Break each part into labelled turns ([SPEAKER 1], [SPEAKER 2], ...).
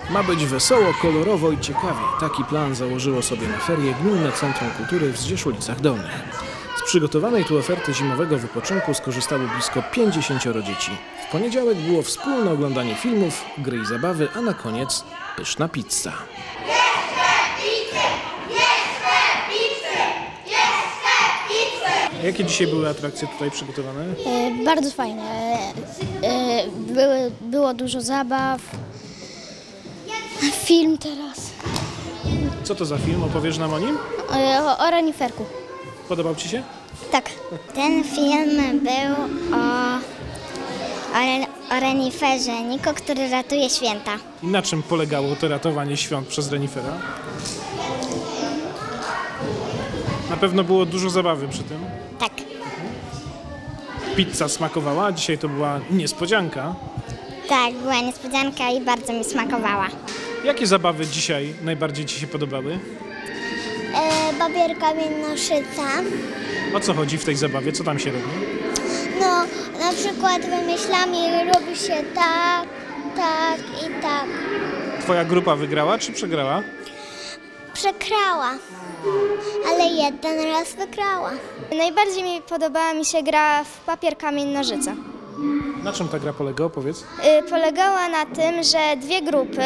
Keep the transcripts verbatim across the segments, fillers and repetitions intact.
[SPEAKER 1] Ma być wesoło, kolorowo i ciekawie. Taki plan założyło sobie na ferie Gminne Centrum Kultury w Zdzieszolicach Dolnych. Z przygotowanej tu oferty zimowego wypoczynku skorzystało blisko pięćdziesięcioro dzieci. W poniedziałek było wspólne oglądanie filmów, gry i zabawy, a na koniec pyszna pizza. Jakie dzisiaj były atrakcje tutaj przygotowane?
[SPEAKER 2] E, bardzo fajne. E, były, było dużo zabaw. Film teraz.
[SPEAKER 1] Co to za film? Opowiesz nam o nim?
[SPEAKER 2] E, o, o reniferku.
[SPEAKER 1] Podobał Ci się?
[SPEAKER 2] Tak. Ten film był o, o, o reniferze Niko, który ratuje święta.
[SPEAKER 1] I na czym polegało to ratowanie świąt przez renifera? Na pewno było dużo zabawy przy tym.
[SPEAKER 2] Tak.
[SPEAKER 1] Pizza smakowała, a dzisiaj to była niespodzianka.
[SPEAKER 2] Tak, była niespodzianka i bardzo mi smakowała.
[SPEAKER 1] Jakie zabawy dzisiaj najbardziej Ci się podobały?
[SPEAKER 2] E, babier, kamień, nożyca.
[SPEAKER 1] O co chodzi w tej zabawie? Co tam się robi?
[SPEAKER 2] No, na przykład wymyślamy, robi się tak, tak i tak.
[SPEAKER 1] Twoja grupa wygrała czy przegrała?
[SPEAKER 2] Przegrała, ale jeden raz wygrała. Najbardziej mi podobała mi się gra w papier, kamień, nożyce.
[SPEAKER 1] Na czym ta gra polega? Opowiedz.
[SPEAKER 2] Y, polegała na tym, że dwie grupy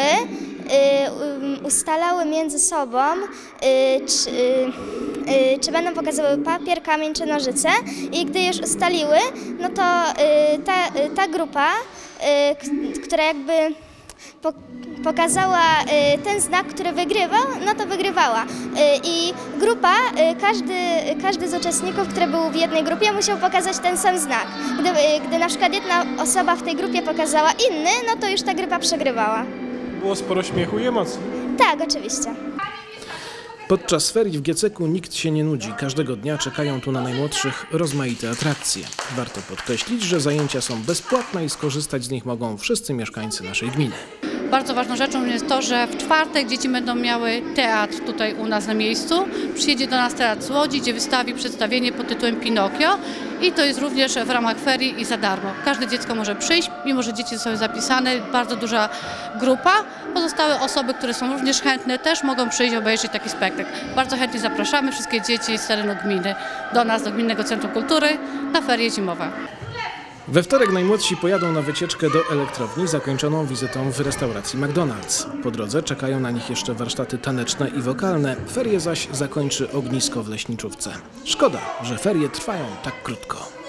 [SPEAKER 2] y, y, ustalały między sobą, y, czy, y, y, czy będą pokazywały papier, kamień czy nożyce, i gdy już ustaliły, no to y, ta, y, ta grupa, y, k- która jakby po, pokazała y, ten znak, który wygrywał, no to wygrywała. Y, I grupa, y, każdy, każdy z uczestników, który był w jednej grupie, musiał pokazać ten sam znak. Gdy, y, gdy na przykład jedna osoba w tej grupie pokazała inny, no to już ta grupa przegrywała.
[SPEAKER 1] Było sporo śmiechu i emocji.
[SPEAKER 2] Tak, oczywiście.
[SPEAKER 1] Podczas ferii w Gieceku nikt się nie nudzi. Każdego dnia czekają tu na najmłodszych rozmaite atrakcje. Warto podkreślić, że zajęcia są bezpłatne i skorzystać z nich mogą wszyscy mieszkańcy naszej gminy.
[SPEAKER 3] Bardzo ważną rzeczą jest to, że w czwartek dzieci będą miały teatr tutaj u nas na miejscu. Przyjedzie do nas teatr z Łodzi, gdzie wystawi przedstawienie pod tytułem Pinokio, i to jest również w ramach ferii i za darmo. Każde dziecko może przyjść, mimo że dzieci są zapisane, bardzo duża grupa. Pozostałe osoby, które są również chętne, też mogą przyjść obejrzeć taki spektakl. Bardzo chętnie zapraszamy wszystkie dzieci z terenu gminy do nas, do Gminnego Centrum Kultury na ferie zimowe.
[SPEAKER 1] We wtorek najmłodsi pojadą na wycieczkę do elektrowni zakończoną wizytą w restauracji McDonald's. Po drodze czekają na nich jeszcze warsztaty taneczne i wokalne. Ferie zaś zakończy ognisko w leśniczówce. Szkoda, że ferie trwają tak krótko.